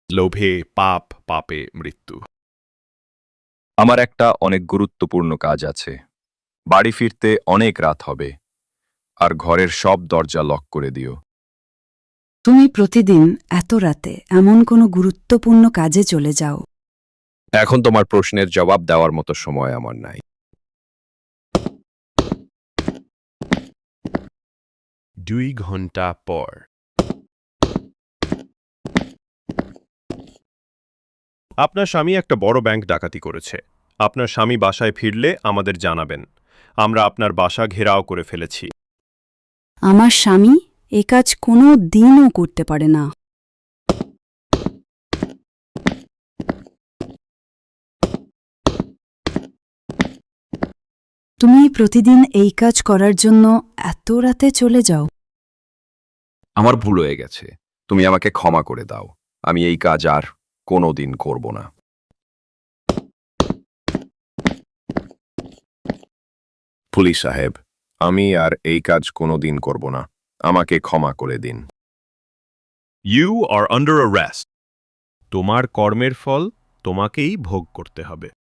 লোভে পাপ, পাপে মৃত্যু। আমার একটা অনেক গুরুত্বপূর্ণ কাজ আছে। বাড়ি ফিরতে অনেক রাত হবে, আর ঘরের সব দরজা লক করে দিও। তুমি প্রতিদিন এত রাতে এমন কোনো গুরুত্বপূর্ণ কাজে চলে যাও। এখন তোমার প্রশ্নের জবাব দেওয়ার মতো সময় আমার নাই। 2 ঘন্টা পর। আপনার স্বামী একটা বড় ব্যাংক ডাকাতি করেছে। আপনার স্বামী বাসায় ফিরলে আমাদের জানাবেন। আমরা আপনার বাসা ঘেরাও করে ফেলেছি। আমার স্বামী এ কাজ কোনো দিনও করতে পারে না। তুমি প্রতিদিন এই কাজ করার জন্য এত রাতে চলে যাও। আমার ভুল হয়ে গেছে, তুমি আমাকে ক্ষমা করে দাও। আমি এই কাজ আর কোনোদিন করব না। পুলিশ সাহেব, আমি আর এই কাজ কোনোদিন করব না। আমাকে ক্ষমা করে দিন। You are under arrest. তোমার কর্মের ফল তোমাকেই ভোগ করতে হবে।